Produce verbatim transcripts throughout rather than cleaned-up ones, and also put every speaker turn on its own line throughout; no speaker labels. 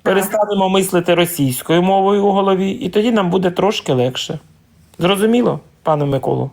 перестанемо мислити російською мовою у голові, і тоді нам буде трошки легше. Зрозуміло, пане Миколу?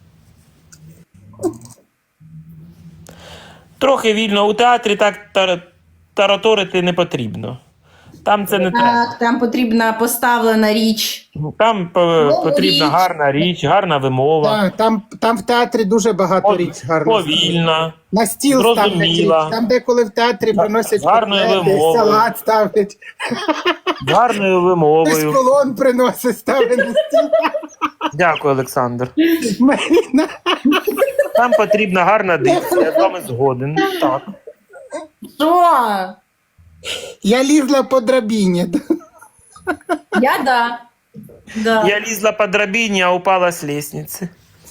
Трохи вільно у театрі так тар- тараторити не потрібно. Там це не треба.
Так, там потрібна поставлена річ.
Там по- потрібна
річ.
гарна річ, гарна вимова,
Так, там, там в театрі дуже багато
пов-
річ гарно.
повільна,
На стіл ставлять
зрозуміла.
річ. Там деколи в театрі приносять
гарною
котлети,
вимовою.
салат ставлять.
гарною
Хтось
вимовою.
колон приносить, ставлять на стіл.
Дякую, Олександр.
Маріна,
Там потрібна гарна дикція, я з вами згоден. Так.
Що?
я лізла по драбіні.
Я да. да.
Я лізла по драбині, а упала з лестниці.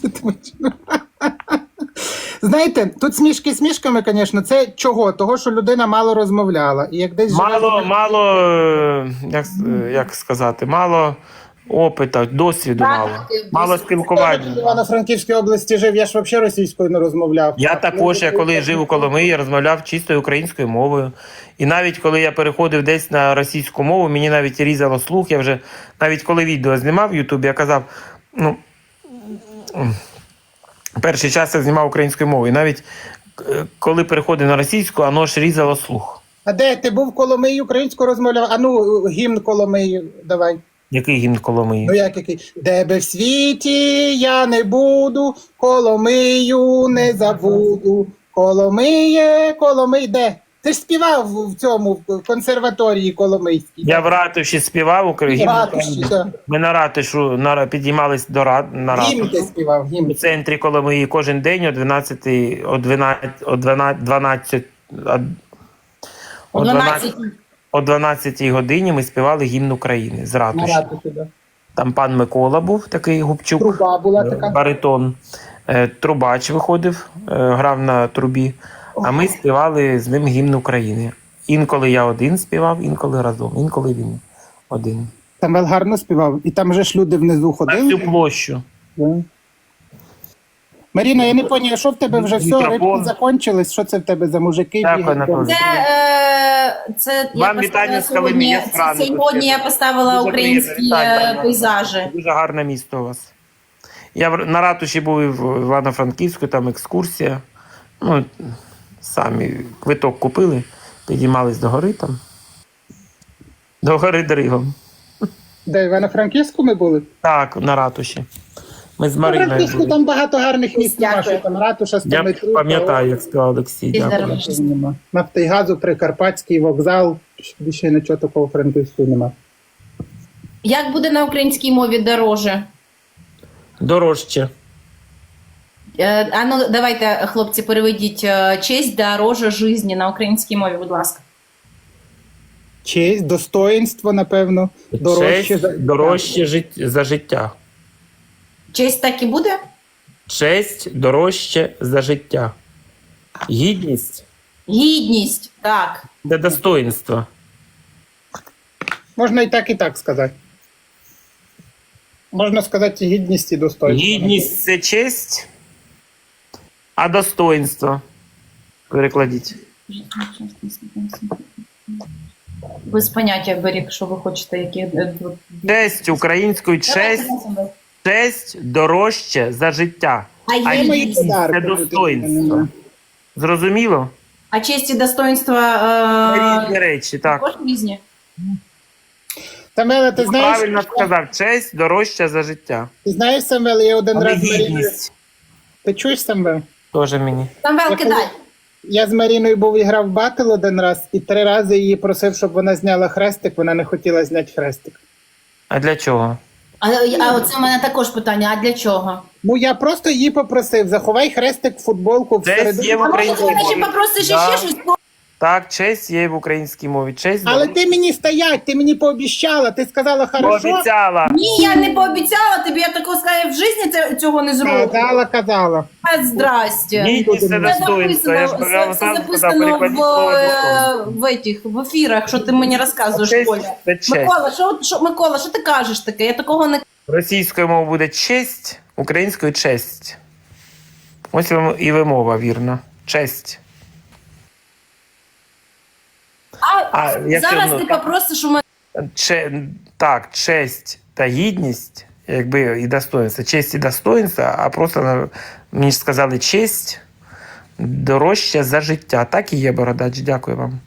Знаєте, тут смішки смішками, звісно, це чого? Того, що людина мало розмовляла. І як десь живе-
Мало, мало, е, як, е, як сказати, мало опиту, досвіду мало.
Практики,
Мало
в
спілкування.
Івано-Франківській області жив, я ж взагалі російською не розмовляв.
Я також, я коли жив у Коломиї, я розмовляв чистою українською мовою. І навіть коли я переходив десь на російську мову, мені навіть різало слух. Я вже, навіть коли відео знімав в Ютубі, я казав, ну, перший час я знімав українською мовою. І навіть е, коли переходив на російську, воно ж різало слух.
А де ти був в Коломиї українською розмовляв? А ну, гімн Коломиї, давай.
Який гімн Коломиї?
Ну як який? Де би в світі я не буду, Коломию не забуду. Коломиє, Коломий, де? Ти ж співав в цьому в консерваторії Коломийській.
Я в ратуші співав Україну.
Ратуші, так.
Ми на ратушу на, підіймались до рад, на
Гімн
ратушу.
ти співав,
У
гімн.
центрі Коломиї кожен день о дванадцятій, о дванадцятій, о дванадцятій,
О дванадцятій.
о дванадцятій годині ми співали гімн України з
На
ратуші.
ратуші, да.
Там пан Микола був, такий Губчук,
Труба була
е,
така.
баритон. Е, Трубач виходив, е, грав на трубі, а ми співали з ним гімн України. Інколи я один співав, інколи разом, інколи він один.
Там Вел гарно співав. І там же ж люди внизу
На
ходили.
всю площу.
Да. Маріна, я не поняла, що в тебе вже все,
Мікрофон.
рибки закончились, що це в тебе за мужики?
Дякую,
бігають?
Анатолій.
Це, е, це я
Вам вітання
поставила
з Колимі,
сьогодні,
я з Франку.
це сьогодні я поставила
Дуже
українські
приємно,
е,
вітання.
пейзажі.
Дуже гарне місто у вас. Я в- на ратуші був і в Івано-Франківську, там екскурсія. Ну, самі квиток купили, підіймались до гори там. До гори Дригом.
Де, в Івано-Франківську ми були?
Так, на ратуші. Ми з
У
Мариною
Франківську
були.
там багато гарних місць нема,
Дякую.
що там ратуша, сто
Я
метрів.
пам'ятаю, як сказав Олексій.
Ти
Дякую.
здоровий.
Нема. Нафтогазу, Прикарпатський вокзал, більше нічого такого в Франківську нема.
Як буде на українській мові дороже?
Дорожче.
Е, а ну, давайте, хлопці, переведіть е, честь дороже жизні на українській мові, будь ласка.
Честь, достоїнство, напевно, дорожче.
Честь
за-
дорожче жит... за життя.
Честь так і буде?
Честь дорожче за життя. Гідність
Гідність, так.
це достоїнство.
Можна і так, і так сказати. Можна сказати і гідність, і достоїнство.
Гідність це честь, а достоїнство. Перекладіть.
Без поняття беріг, що ви хочете, які. е,
Честь українською честь, честь дорожче за життя.
А
А
є
мої
гідність
подарки
це
будуть.
достоїнство. Зрозуміло?
А честь і достоинства
Це різні
е,
речі, так.
також різні?
Самела, ти
Ну,
знаєш,
правильно сказав, честь дорожча за життя.
ти знаєш, Самвел, я один
Але
раз з Маріною...
гідність
Ти чуєш, Самвел?
теж мені.
Самвел,
Я
кидай.
Я з Маріною був і грав в батл один раз, і три рази її просив, щоб вона зняла хрестик, вона не хотіла зняти хрестик.
А для чого?
А, а оце в мене також питання, а для чого?
Ну, я просто її попросив, заховай хрестик в футболку
Десь
всередині.
є в
А може
українській
ти наче
мові.
попросиш
Да.
ще щось?
Так, честь є в українській мові. Честь
Але
дорожча.
ти мені стоять, ти мені пообіцяла, ти сказала хорошо.
Пообіцяла.
Ні, я не пообіцяла тобі, я такого сказала, в житті це- цього не зроблю.
Казала, казала.
А, здрасте.
Гідність це
Це
достоїнство. Я ж
записано,
я
це,
сам
це
сказав,
записано
перекладіть
в,
слово
е,
достоїнство.
в, этих, в ефірах, що ти мені розказуєш,
Честь
Коля.
це честь.
Микола, що, що, Микола, що ти кажеш таке? Я такого не...
Російською мовою буде честь, українською честь. Ось вам і вимова вірна. Честь.
А,
А, якщо,
зараз
ну,
ти
так.
попросиш у мене.
Че, так, честь та гідність, якби і достоинство. Честь і достоинство, а просто на- мені ж сказали честь дорожча за життя. Так і є, Бородач. Дякую вам.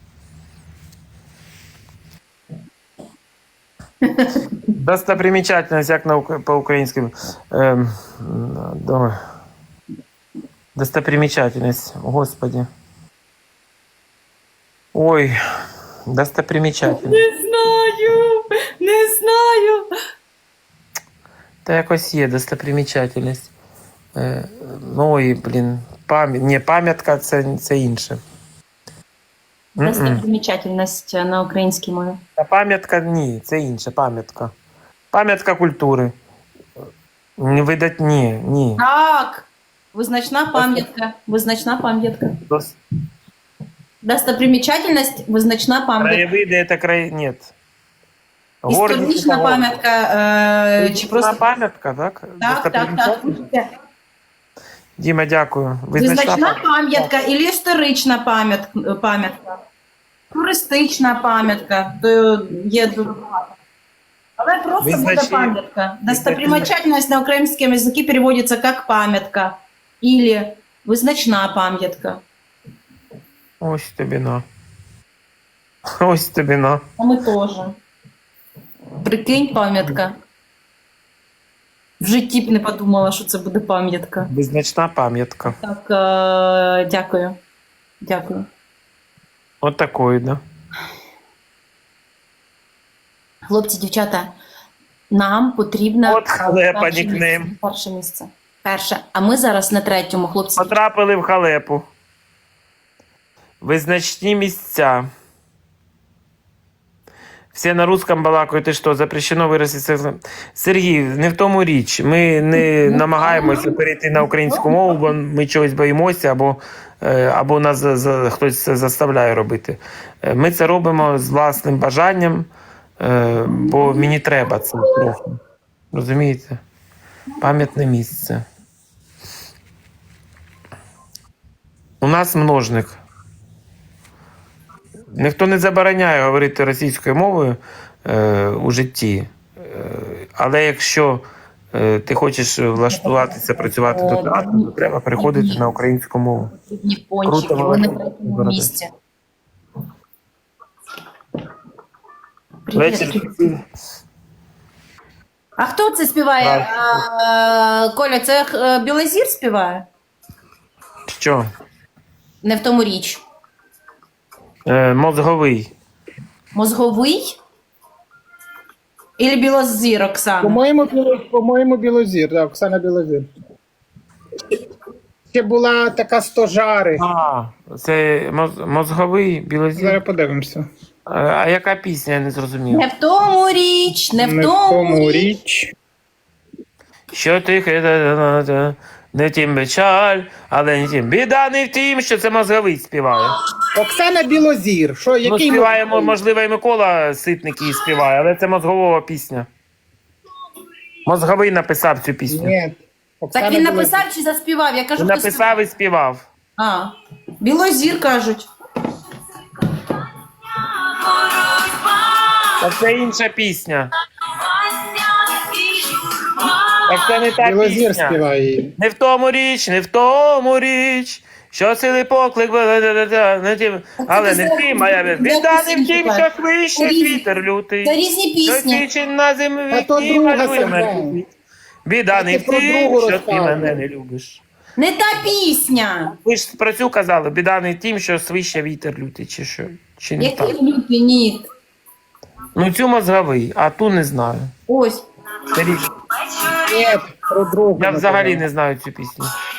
Достопримечательность, як на ук- по-українськи. Ем, давай. Достопримечательность, господи. Ой, достопримечательность.
Не знаю, не знаю.
Та якось є достопримечательність. Е, ну і, блін, пам'ят... Ні, пам'ятка це, це інше. М-м.
Достопримечательність на українській мові.
А пам'ятка ні, це інше, пам'ятка. Пам'ятка культури. Не видать, ні, ні.
Так, визначна пам'ятка, визначна пам'ятка.
Дос-
Достопримечательність, визначна пам'ятка.
Краєвиди це край... Ні.
Історична пам'ятка, е, чи
Історична
просто...
пам'ятка, так?
Так, так, так.
Достопримечательність? Діма, дякую.
Визначна пам'ятка і історична пам'ятка, пам'ятка, туристична пам'ятка, то є дуже багато. Але просто буде
Визначи-
пам'ятка. Достопримечательність на українському язикі переводиться як пам'ятка или визначна пам'ятка.
Ось тобі на. Ось тобі на.
А ми теж. Прикинь, пам'ятка. В житті б не подумала, що це буде пам'ятка.
Визначна пам'ятка.
Так, е, дякую. Дякую.
От такої, да.
Хлопці, дівчата, нам потрібно
От халепа,
перше
нікнейм.
місце. Перше місце. Перше. А ми зараз на третьому, хлопці.
Потрапили в халепу. Визначні місця. Всі на русском балакають, і що, запрещено вирости. Сергій, не в тому річ. Ми не намагаємося перейти на українську мову, бо ми чогось боїмося, або, е, або нас за, за, хтось це заставляє робити. Е, Ми це робимо з власним бажанням, е, бо мені треба це трохи. Розумієте? Пам'ятне місце. У нас множник. Ніхто не забороняє говорити російською мовою е, у житті. Е, але якщо е, ти хочеш влаштуватися, працювати до театру, то треба переходити на українську мову.
Бідні пончики,
Круто,
ви на
молодець,
третьому
молодець.
місці. Привіт.
Вечір.
А хто це співає? А, Коля, це е, Білозір співає?
Що?
Не в тому річ.
Е, мозговий.
Мозговий? Ілі Білозір, Оксана?
По-моєму, Біло- по-моєму, Білозір, да, Оксана Білозір. Ще була така стожари.
А, це моз- мозговий білозір.
Зараз подивимося.
А, а яка пісня, я не зрозумів.
Не в тому річ, не в
Не в
тому,
тому
річ.
річ.
Що ти хе- не тім печаль, але не тім. Біда не в тім, що це мозговий співає.
Оксана Білозір. Що,
Ну,
який
співає,
мозговий?
можливо, і Микола Ситник її співає, але це мозгового пісня. Мозговий написав цю пісню.
Ні. Оксана
Так він
Білозір.
написав чи заспівав? Я кажу,
Він
хто
написав і співав.
А, Білозір, кажуть.
Так це інша пісня. Так це не та
Білозір
пісня.
співає її.
Не в тому річ, не в тому річ. Що сили поклик, не тим, але не в тим, моя біда не в тім, що свище вітер лютий.
Це різні
Що
пісні.
свічить на землі,
А то
вікні
друга
малює
сама.
мене. Біда не
Ти
в
про
тім,
другу
що ти
розказуй.
мене не любиш.
Не та пісня.
Ви ж про цю казали, біда не в тім, що свище вітер лютий, чи що? Чи не так?
Який лютий, ні.
Ну цю мозговий, а ту не знаю.
Ось.
Це річ.
Ні, про другу.
Я взагалі
напевно.
не знаю цю пісню.